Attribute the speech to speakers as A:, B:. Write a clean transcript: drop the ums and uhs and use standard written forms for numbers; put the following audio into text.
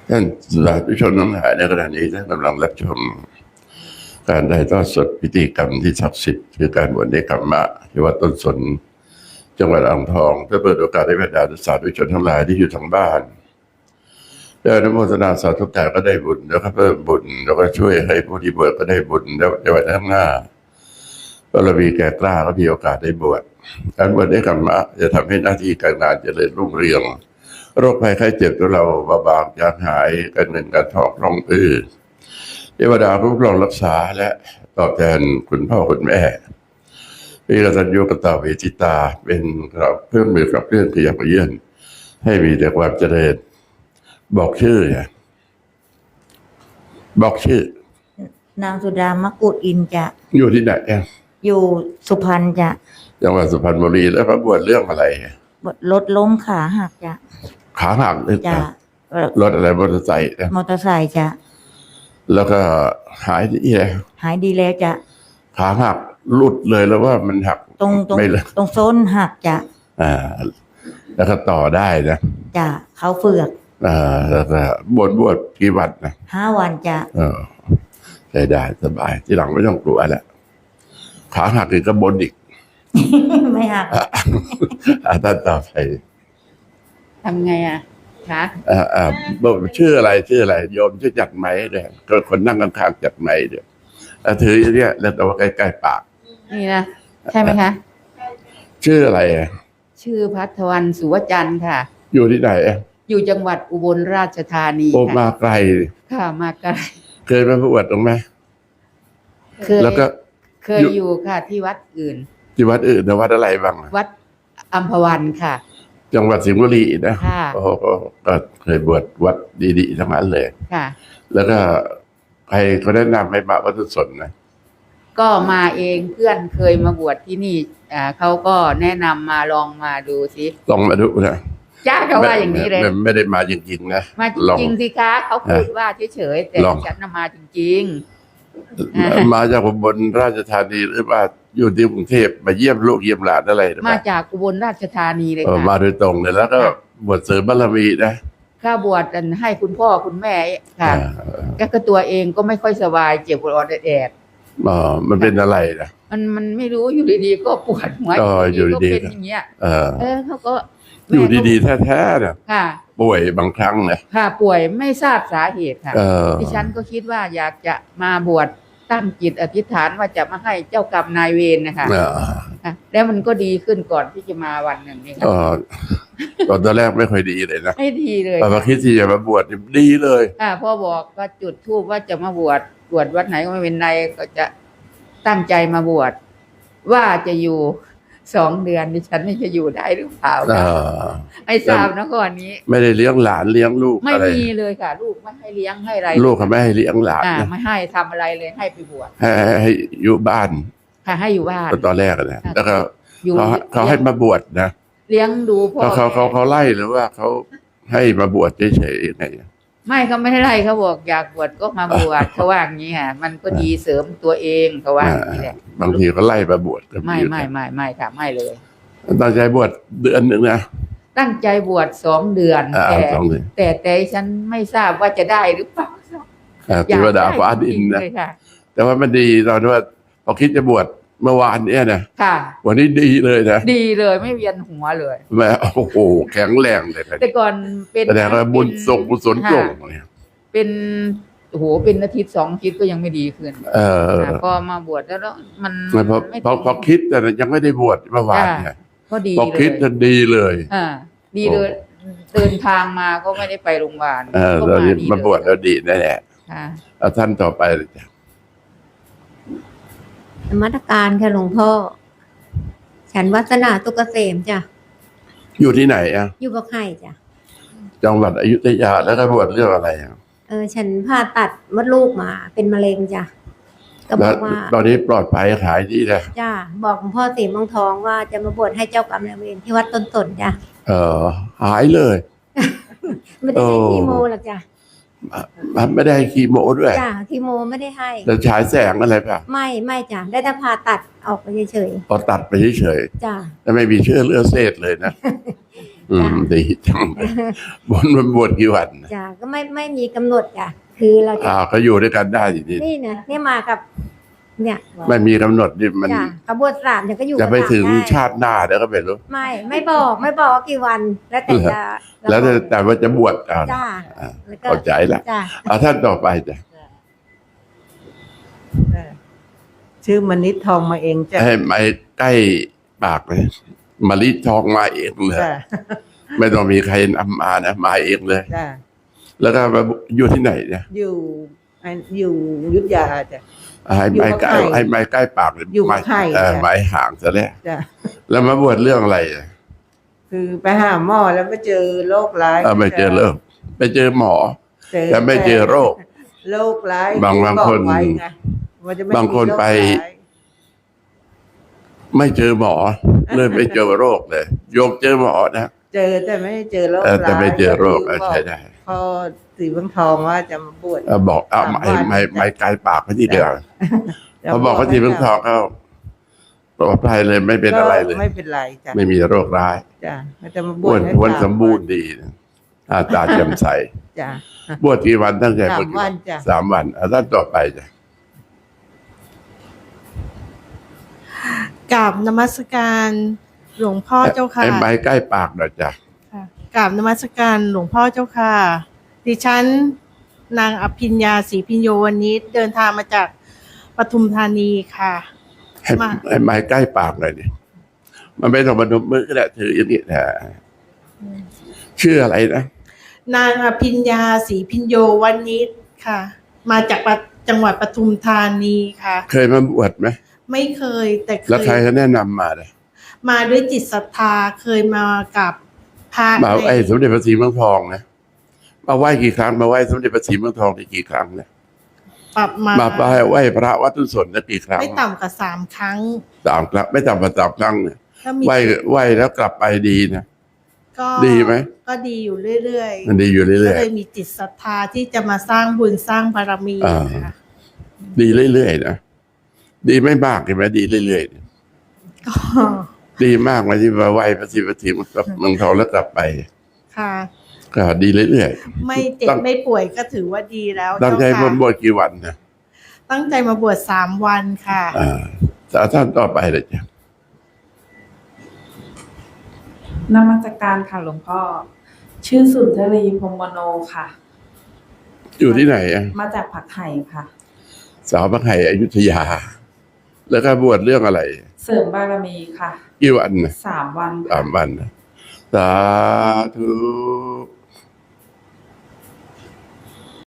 A: ท่านสาธุชนทั้งหลายในขณะนี้ท่านกำลังรับชมการถ่ายทอดสดพิธีกรรมที่ศักดิ์สิทธิ์คือการบวชเนกขัมมะที่วัดต้นสนจังหวัดอ่างทองเพื่อเปิดโอกาสให้บรรดาสาธุชนทั้งหลายที่อยู่ทางบ้านได้อนุโมทนาสาธุการก็ได้บุญแล้วก็เพิ่มบุญแล้วก็ช่วยให้ผู้ที่บวชก็ได้บุญแล้วในวันข้างหน้าเรามีแก่กล้าก็มีโอกาสได้บวชการบวชเนกขัมมะจะทำให้หน้าที่การงานเจริญรุ่งเรืองโรคภัยไข้เจ็บของเราเบาบางจางหายการเงินการทองคล่องเทวดาคุ้มครองรักษาและตอบแทนคุณพ่อคุณแม่มีกตัญญูกตเวทิตาเป็นเพื่อนมือกับเพื่อนขยับเยื่อนให้มีแต่ความเจริญบอกชื่อเนี่ยบอกชื่
B: นางสุดามกุฎอินจะ
A: อยู่ที่ไหน
B: อยู่สุพรรณจะ
A: จังหวัดสุพรรณบุรีแล้วพระบวชเรื่องอะไร
B: รถล้มขาหักจะ
A: ขาหักเลย
B: จะ
A: รถอะไรมอเตอร์ไซค์
B: มอเตอร์ไซค์จะ
A: แล้วก็หายดีแล้ว
B: หายดีแล้วจะ
A: ขาหักหลุดเลยแล้วว่ามันหัก
B: ไม่เลยตรงโซนหักจะ
A: แล้วก็ต่อได้นะ
B: จะเขาเฟือก
A: แล้วก็บวชกี่วันนะ
B: 5 วันจะ
A: ใช้ได้สบายที่หลังไม่ต้องกลัวแล้วขาหักอีกก็บนอีก
B: ไม่หัก
A: ท่านต่อไป
B: ทำไงคะ
A: ชื่ออะไรโยมชื่อจัดไหมเนี่ยก็คนนั่งข้างๆจัดไหมเดี๋ยวถือเนี่ยแล้วแต่ว่าใกล้ๆปาก
B: นี่นะใช่ไหมคะ
A: ชื่ออะไร
B: ชื่อพัทวันสุวจันทร์ค่ะ
A: อยู่ที่ไหน
B: อยู่จังหวัดอุบลราชธานี
A: โอ้มาไกล
B: ค่ะมาไกล
A: เคยมาบวชตรงไหม
B: เคยแล้วก็เคยอยู่ค่ะที่วัดอื่น
A: ที่วัดอื่นวัดอะไรบ้าง
B: วัดอัมพวันค่ะ
A: จังหวัดสิงห์บุรีนะโอ้ก็เคยบวชวัดดีๆทั้งนั้นเลย
B: ค่ะ
A: แล้วก็ใครก็แนะนำให้มาวัดต้นสนนะ
B: ก็มาเองเพื่อนเคยมาบวชที่นี่เขาก็แนะนำมาลองมาดูสิ
A: ลองมาดูนะ
B: จ้าเขาว่าอย่างนี้เลย
A: ไม่ได้มาจริงๆนะ
B: มาจริงสิคะเขาพูดว่าเฉยๆแต่ฉันมาจริง
A: ๆมาจากอุบลราชธานีหรือว่าอยู่ที่กรุงเทพมาเยี่ยมลูกเยี่ยมหลานอะไร
B: มาจากอุบลราชธานีเลยค่ะ
A: มาโดยตรงเลยแล้วก็บวชเสริมบารมีนะ
B: ข้าบวชให้คุณพ่อคุณแม่ค่ะก็ตัวเองก็ไม่ค่อยสบายเจ็บปวดแอด
A: มันเป็นอะไรนะ
B: มันไม่รู้อยู่ดีๆก็ปวดหัว
A: อยู่ดี
B: ๆเป็นอย่างเงี้ยเขาก็
A: อยู่ดีๆแท้ๆเนี่ยป่วยบางครั้งนะ
B: ค่ะป่วยไม่ทราบสาเหตุค่ะดิฉันก็คิดว่าอยากจะมาบวชตั้งจิตอธิษฐานว่าจะมาให้เจ้ากรรมนายเวรนะคะแล้วมันก็ดีขึ้นก่อนที่จะมาวันหนึ่งนี่ค่ะ
A: ตอนแรกไม่ค่อยดีเลยนะ
B: ไม่ดีเลย
A: พอคิดที่จะมาบวชดีเลย
B: พ่อบอกก็จุดธูปว่าจะมาบวชวัดไหนก็ไม่เป็นไรก็จะตั้งใจมาบวชว่าจะอยู่2 เดือนดิฉันไม่จะอยู่ได้หรือเปล่าไม่ทราบนะก่อนนี้
A: ไม่ได้เลี้ยงหลานเลี้ยงลูก
B: ไม่มีเลยค่ะลูกไม่ให้เลี้ยงให้อะไร
A: ลูกเขาไม่ให้เลี้ยงหลาน
B: ไม่ให้ทำอะไรเลยให้ไปบวช
A: ให้อยู่บ้าน
B: ค่ะให้อยู่บ้าน
A: ตอนแรกนะแล้วก็เขาให้มาบวชนะ
B: เลี้ยงดูพ่อ
A: เขาไล่หรือว่าเขาให้มาบวชเฉยๆไง
B: ไม่เขาไม่ได้ไล่เขาบอกอยากบวชก็มาบวชเขาว่าอย่างนี้ค่ะมันก็ดีเสริมตัวเองเขาว่าอย่างนี้แหละ
A: บางทีเขาไล่มาบวช
B: ไม่ค่ะไม่เลย
A: ตั้งใจบวชเดือนหนึ่งนะ
B: ตั้งใจบวช2 เดือนแต่ฉันไม่ทราบว่าจะได้หรือเปล่า
A: เทวดาฟ้าดินนะแต่ว่ามันดีตอนที่ว่าพอคิดจะบวชเมื่อวานเนี่ยนะวันนี้ดีเลยนะ
B: ดีเลยไม่เวียนหัวเลย
A: แม่โอ้โหแข็งแรงเลย
B: แต่ก่อนเป็น
A: แต่ก็บุญส่งกุศลส่งเนี่ย
B: เป็นโหเป็นอาทิตย์2 อาทิตย์ก็ยังไม่ดีขึ้นพอมาบวชแล้วมัน
A: พอคิดแต่ยังไม่ได้บวชเมื่อวานเนี่ยพอคิดจะดีเลย
B: ดีเลยเดินทางมาก็ไม่ได้ไปโรงพยาบาล
A: เรามาบวชแล้วดีแน่ๆท่านต่อไปเลยจ้ะ
C: นมัสการค่ะหลวงพ่อฉันวัฒนาตุกเกษมจ้ะ
A: อยู่ที่ไหน
C: อยู่บ่อไข่จ้ะ
A: จังหวัดอยุธยาแล้วก็บวชเรื่องอะไร
C: ฉันผ่าตัดมดลูกมาเป็นมะเร็งจ้ะก็บอกว่า
A: ตอนนี้ปลอดภัยขายดีเลย
C: จ้ะบอกหลวงพ่อสีเมืองทองว่าจะมาบวชให้เจ้ากรรมนายเวรที่วัดต้นสนจ้ะ
A: หายเลย
C: ไม่ได้ให้คีโมหรอกจ้ะ
A: ไม่ได้คีโมด้วย
C: จ้ะคีโมไม่ได้ให้
A: แต่ฉายแสงอะไรป่ะ
C: ไม่จ้ะได้แต่ผ่าตัดออกไปเฉย
A: ๆพอตัดไปเฉย
C: ๆจ้ะ
A: แต่ไม่มีเชื้อเลือดเศษเลยนะดีจังเลยบวชกี่วันนะ
C: จ้ะก็ไม่มีกำหนดจ้ะคือเราจะ
A: ก็อยู่ด้วยกันได้ทีนี้
C: นี่นะเนี่ยมากับ เนี่ย
A: ไม่มีกำหนดนี่มัน
C: จ้ะขบวนสามเนี่ยก็อยู่
A: จะไป
C: กับ
A: ถึง
C: ได้
A: ชาติหน้าเดี๋ยวก็ไม่รู้
C: ไม่บอกว่ากี่วัน แล้วแต่จะ
A: แล้วแต่ว่าจะบวช
C: จ้าแล้วก็
A: เข้าใจละ
C: จ้า
A: ท่านต่อไปจ้ะ
D: ชื่อมณิษฐ์ทองมาเองจ้ะ
A: ให้ไม้ใกล้ปากเลยมะลิทองมาเองเลย
D: จ้ะ
A: ไม่ต้องมีใครนำมานะมาเองเลย
D: จ้ะ
A: แล้วก็มาอยู่ที่ไหนเนี่ย
D: อยู่อยุธยาจ้ะ
A: ให้ไม้ใกล้
D: อยู่กับใคร
A: ให้ไม้ใกล้ปากเลย
D: อยู่กับใคร
A: ไม้ห่างซะแล้ว
D: จ้ะ
A: แล้วมาบวชเรื่องอะไรอ่ะ
D: คือไปหาหมอแล้วไม่เจอโรคร้าย
A: ไม่เจอเริ่มไปเจอหมอ แต่ไม่เจอโรค
D: โรคร้าย
A: บาง
D: ที่
A: คน
D: บอกไว้ไงว่าจะไม่
A: บางคน
D: มีโร
A: ไป
D: ร้าย
A: ไม่เจอหมอ เลยไปเจอโรคเลยโยมเจอหมอนะ
D: เจอแต่ไม่เจอโรค
A: แต่
D: ร้าย
A: ไม่เจอโรค
D: ก็
A: ใช่ได้
D: พอสีบางทองว่าจะมาบวช
A: บอกเอา
D: 3
A: ไม้ไกลปากไปที่เดียว
D: จะ
A: เขาบอกว่าที่เพิ่งทองเขาปลอดภัยเลยไม่เป็นอะไรเลย
D: ก็ไม่เป็นไรจ้ะ
A: ไม่มีโรคร้าย
D: จ้ะก็จะมาบ
A: อ้
D: ว
A: ว
D: ช
A: น
D: ให้
A: อ้วน
D: 3
A: สมบูรณ์ดีนะตาแจ่มใส
D: จ้ะ
A: บวชกี่วันตั้งใจบวช
D: 3 วันจ้ะ
A: 3 วันท่านต่อไปจ้ะ
E: กราบนมัสการหลวงพ่อเจ้าค่ะ
A: ไม้ใกล้ปากหน่อยจ้ะ
E: ค่ะกราบนมัสการหลวงพ่อเจ้าค่ะ ดิฉันนางอภิญญาศรีพิญโยวันนี้เดินทางมาจากปทุมธานีค่ะ
A: ให้
E: มา
A: ไม้ใกล้ปากหน่อยดิมันไม่ต้องมาดุมมือก็ได้ถืออย่างนี้นะชื่ออะไรนะ
E: นางอภิญญาศรีพิญโยวันนี้ค่ะ มาจากจังหวัดปทุมธานีค่ะ
A: เคยมาบวชไหม
E: ไม่เคยแต่เค
A: แล้วใคร
E: ย
A: เขาแนะนำมาเลย
E: มาด้วยจิตศรัทธาเคยมากับพระ
A: มาไอ้สมเด็จพระศรีเมืองทองนะมาไหว้กี่ครั้งมาไหว้สมเด็จพระศรีเมืองทองได้กี่ครั้งเนี่ย
E: ปรับมา
A: มาไหว้พระวัดตุสนได้กี่ครั้ง
E: ไม่ต่ำกว่า3 ครั้ง
A: 3 ครั้งไม่ต่ำกว่า3 ครั้งเนี่ย
E: ก็มี
A: ไหว้แล้วกลับไปดีนะ
E: ก็
A: ดีไหม
E: ก็ดีอยู่เรื่อยๆ
A: มันดีอยู่
E: ก็
A: เรื่อย
E: เลยมีจิตศรัทธาที่จะมาสร้างบุญสร้างบารมี
A: อ่า
E: ค่ะ
A: ๆดีเรื่อยๆนะดีไม่มากใช่ไหมดีเรื่อย
E: ก็
A: ๆดีมากไหมที่มาไหว้พระศรีเมืองทองแล้วกลับไป
E: ค่ะ
A: ก็ดีเรื่อย
E: ไม่เจ็บ
A: ตั้ง
E: ไม่ป่วยก็ถือว่าดีแล้ว
A: ๆตั้งใจ
E: เจ้า
A: บวช
E: ค่ะ
A: บวชกี่วันนะ
E: ตั้งใจมาบวช3 วันค่ะ
A: ท่านต่อไปเลยจ้ะ
F: นมัสการค่ะหลวงพ่อ ชื่อสุนทรีพรหมโนค่ะ
A: อยู่ที่ไหนอ่ะ
F: มาจากผักไห่ค่ะ
A: สาวพระไห่อยุธยา แล้วก็บวชเรื่องอะไร
F: เสริมบารมีค่ะ
A: กี่วันนะ
F: 3 วัน
A: 3 วันนะสาธุ